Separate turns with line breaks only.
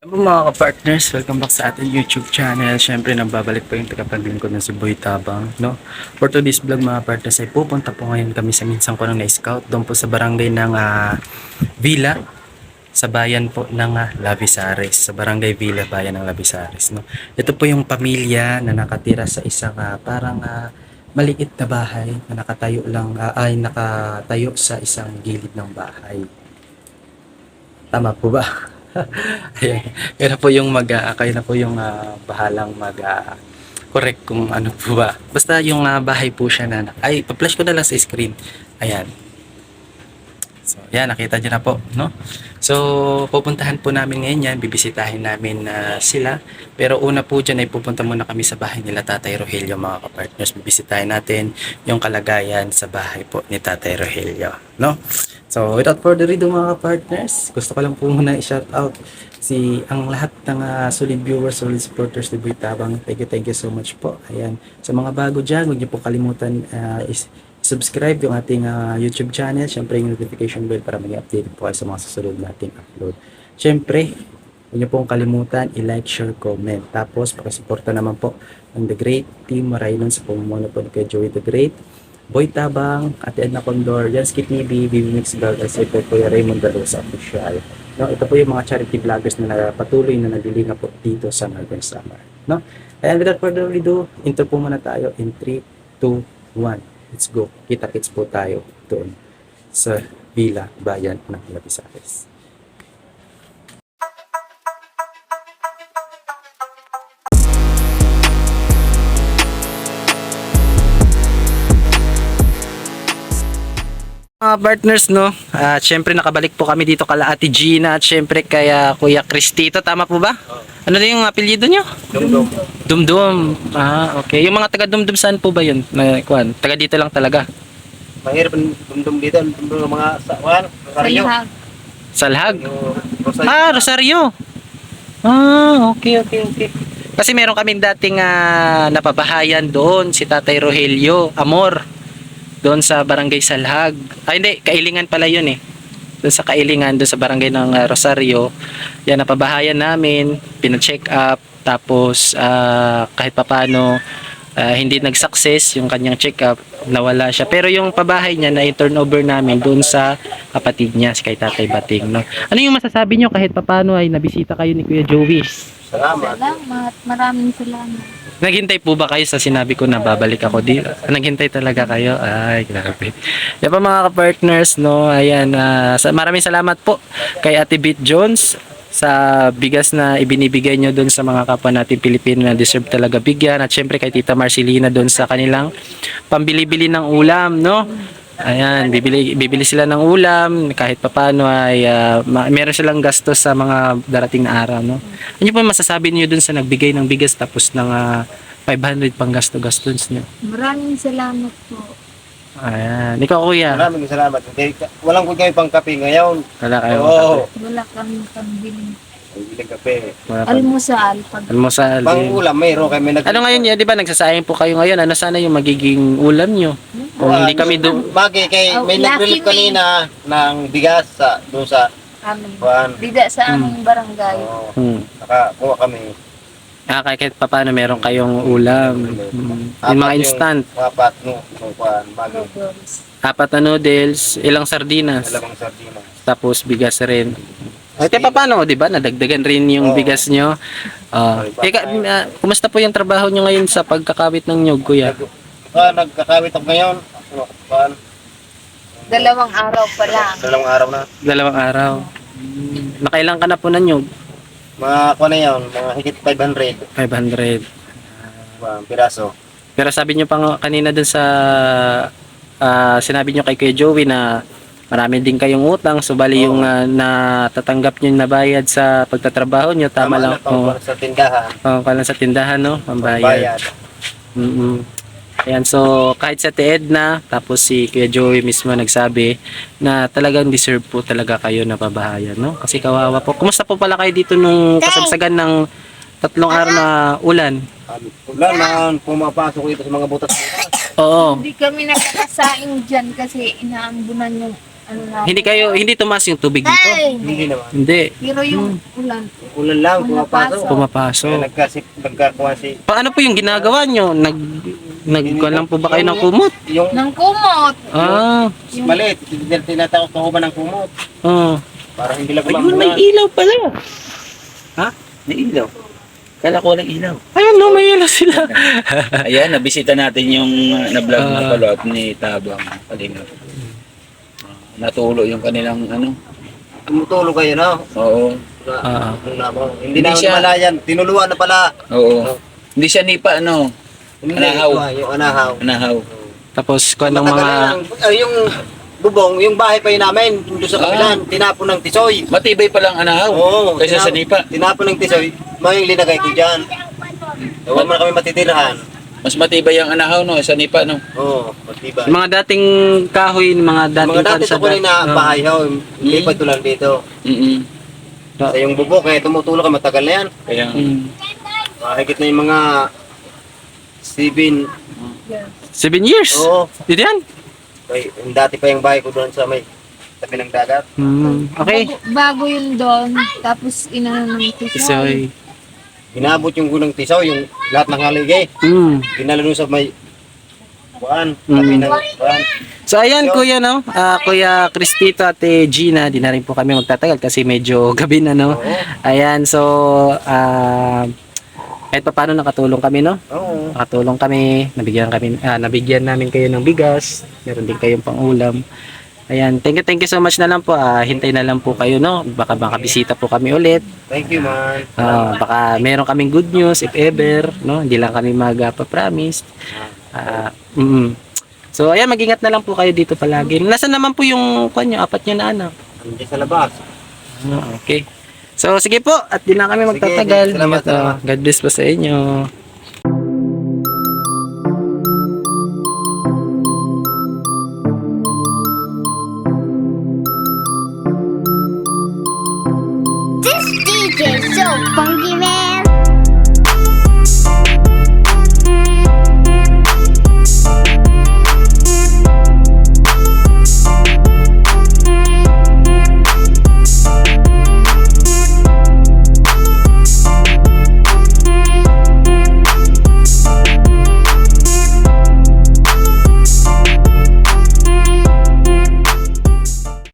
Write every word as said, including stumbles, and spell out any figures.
Hello mga ka-partners, welcome back sa ating YouTube channel. Siyempre, nagbabalik po yung tagapaglingkod ng si Boy Tabang, no? For today's vlog mga partners, ay pupunta po ngayon kami sa minsan ko nang na-scout doon po sa barangay ng uh, Villa, sa bayan po ng uh, Lavisares, sa barangay Villa, bayan ng Lavisares, no? Ito po yung pamilya na nakatira sa isang uh, parang uh, maliit na bahay na nakatayo lang, uh, ay nakatayo sa isang gilid ng bahay. Tama po ba? Ayan. Kaya na po yung mag uh, kayo na po yung uh, bahalang mag uh, correct kung ano po ba. Basta yung uh, bahay po siya na ay pa-flash ko na lang sa screen. Ayan. So, yan, nakita niyo na po, no? So, pupuntahan po namin ngayon yan, bibisitahin namin uh, sila. Pero una po dyan ay pupunta muna kami sa bahay nila Tatay Rogelio, mga kapartners. Bibisitahin natin yung kalagayan sa bahay po ni Tatay Rogelio, no? So, without further ado mga kapartners, gusto ko lang po muna i-shout out si ang lahat ng uh, solid viewers, solid supporters ni Boy Tabang. Thank you, thank you so much po. Ayan. Sa mga bago dyan, huwag niyo po kalimutan uh, is subscribe yung ating uh, YouTube channel, syempre yung notification bell para maging updated po kayo sa mga susunod nating upload. Syempre, huwag niyo pong kalimutan i-like, share, comment. Tapos, pakisuporta naman po ng The Great Team Maraylon sa pamumuno po ni Kuya Joey The Great, Boy Tabang, Ate Edna Condor, Jansky T V, B B Mix Vlog, at si Kuya Raymond Dalosa Official. No, ito po yung mga charity vloggers na patuloy na naglilinga po dito sa Northern Samar. No? And without further ado, intro po muna tayo in three, two, one. Let's go. Kita-kits po tayo doon sa Villa, bayan ng Lavisares. Mga partners, no? At syempre nakabalik po kami dito kala Ate Gina at syempre kaya Kuya Cristito, tama po ba? Ano din yung apelyido nyo?
Dumdum.
Dumdum. Ah, okay. Yung mga taga Dumdum saan po ba yun? Na, kuan, taga dito lang talaga.
Mahirap ang dumdum dito. Dumdum ng mga sawan. Rosario.
Salhag.
Rosario.
Ah, Rosario. Ah, okay, okay, okay. Kasi meron kaming dating uh, napabahayan doon, si Tatay Rogelio Amor. Doon sa barangay Salhag. Ay hindi, Kailingan pala yun eh. Doon sa Kailingan, doon sa barangay ng uh, Rosario. Yan, napabahayan namin, pina-check up, tapos uh, kahit papano uh, hindi nag-success yung kanyang check up, nawala siya. Pero yung pabahay niya na i-turnover namin doon sa kapatid niya, si kay Tatay Bating. No? Ano yung masasabi niyo kahit papano ay nabisita kayo ni Kuya Joey?
Salamat.
Salamat. Maraming salamat.
Naghintay po ba kayo sa sinabi ko na babalik ako dito? Naghintay talaga kayo? Ay, grabe. Yan pa mga ka-partners, no? Ayan, uh, maraming salamat po kay Ate Beat Jones sa bigas na ibinibigay nyo doon sa mga kapwa natin Pilipino na deserve talaga bigyan. At syempre kay Tita Marcelina doon sa kanilang pambili-bili ng ulam, no? Ayan, bibili, bibili sila ng ulam kahit papano ay uh, ma- meron silang gastos sa mga darating na araw, no? Ano po masasabi niyo dun sa nagbigay ng bigas tapos ng uh, five hundred pang gasto-gastos niyo?
Maraming salamat po.
Ayan, ikaw kuya.
Maraming salamat. Hindi, walang kung kayo pang kape ngayon.
Wala kayo.
Oo.
Wala kami pambili.
Bilang kape.
Wala pa.
Almusal. Pag
Almusal
Pang
din.
ulam, mayroon kami nag...
Ano ngayon, ya, di ba nagsasayang po kayo ngayon? Ano sana yung magiging ulam niyo? Kung hindi kami do
Bagi kay
Oh,
may nag-relief
lucky me.
kanina ng bigas sa doon sa
amin.
kuan.
Dida sa aming barangay.
Oo.
hmm.
Nakakuha kami.
Ah, kahit paano meron kayong ulam. Hmm. Yung mga instant.
Apat no, no kuan, bagi.
Noodles.
Apat na noodles, ilang sardinas,
Dalawang sardinas.
tapos bigas rin. Ay, kaya paano, di ba? Nadagdagan rin yung
Oo.
bigas nyo. Uh, ika, uh, kumusta po yung trabaho nyo ngayon sa pagkakawit ng nyug, kuya?
Ah, nagkakawit ako ngayon. Ano, kuan?
Dalawang araw pa lang.
Dalawang araw na.
Dalawang araw. Nakailang ka na po ng nyug?
Mga kuan na yun, mga higit five hundred
five hundred.
kuan, piraso.
Pero sabi nyo pa nga kanina dun sa, uh, sinabi nyo kay Kuya Joey na marami din kayong utang, so bali yung uh, natatanggap nyo na bayad sa pagtatrabaho nyo, tama, lang.
na pang
Oo,
sa tindahan.
oh, pala sa tindahan, no? Ang bayad.
Bayad.
Mm-mm. Ayan, so kahit sa Ate Edna, tapos si Kuya Joey mismo nagsabi na talagang deserve po talaga kayo na pabahayan, no? Kasi kawawa po. Kumusta po pala kayo dito nung kasagsagan ng tatlong araw na ulan?
Wala na pumapasok dito sa mga butas.
Oo.
Hindi kami nakakasaing dyan kasi inaambunan yung ano na.
Hindi kayo, hindi tumaas yung tubig dito?
Hey!
Hindi naman.
Hindi.
Pero yung ulan.
Ulan lang, pumapasok.
Pumapasok.
Pumapasok.
Kaya nagkasip, nagkakuha si...
Paano po yung ginagawa nyo? Nag, nagkuhan lang po ba kayo ng kumot?
Yung
Nang kumot.
Ah,
Yung,
maliit, tinatakot ko ba ng kumot?
ah.
Para hindi lang
Ayun, may ilaw pala. Ha? May ilaw. Kala ko walang ilaw.
Ayun no, may ilaw sila.
Ayan, nabisita natin yung uh, na-vlog na
Ah.
palot ni Tabang Kalingap. Uh, natulo yung kanilang ano.
Tumutulog kayo, no?
Oo.
Ah.
Ano na mo? Hindi,
Hindi
namin
siya-
malayan. Tinuluan na pala.
Oo. Hindi siya nipa ano.
Hindi,
Anahaw.
ito, ah, yung anahaw.
Anahaw.
Tapos kuha ng
Matagal
mga...
na yan. Ay, yung bubong, yung bahay pa yun namin, doon sa kapilan, tinapon ng tisoy.
Matibay pa lang anahaw.
Oo.
Kaysa sa nipa.
Tinapon ng tisoy, mga yung linagay ko dyan. Huwag mo na kami matitirahan.
Mas matibay ang anahaw no, sa nipa no.
Oo, matibay.
Mga dating kahoy, mga dating
Mga dati
kansa
ito ko rin na
dat-
bahay ho, lipat ko lang dito.
Mm.
Sa yung bubong, kaya tumutulog ka, matagal na yan.
Kaya
Mm.
Mahigit na yung mga seven.
Seven years?
Oo.
Dito yan?
Ay, yung dati pa yung bahay ko doon sa may tabi ng dagat.
Hmm. Okay.
bago, bago yun doon. Tapos inano ng tisoy.
So,
Inabot yung gunang tisaw, yung lahat ng haligay.
mm.
Dinala doon sa may buwan,
Mm.
tabi ng buwan.
So ayan kuya no, Ah, kuya Cristito, ate Gina, di na rin po kami magtatagal kasi medyo gabi na no.
Oo.
Ayan, so ah kahit pa paano nakatulong kami no.
Oo.
Nakatulong kami, nabigyan kami ah, nabigyan namin kayo ng bigas, meron din kayong pang-ulam. Ayan, thank you, thank you so much na lang po. Ah, hintay na lang po kayo no. Baka makabisita po kami ulit.
Thank you, man.
Ah, baka meron kaming good news if ever, no? Hindi lang kami mag-promise. Ah, mm. So ayan, mag-ingat na lang po kayo dito palagi. Nasaan naman po yung kanyo, apat nyo na anak?
Andiyan sa labas.
Ah, okay. So sige po, at di na kami
Sige,
magtatagal.
salamat,
Ingat, ah.
salamat.
God bless po sa inyo.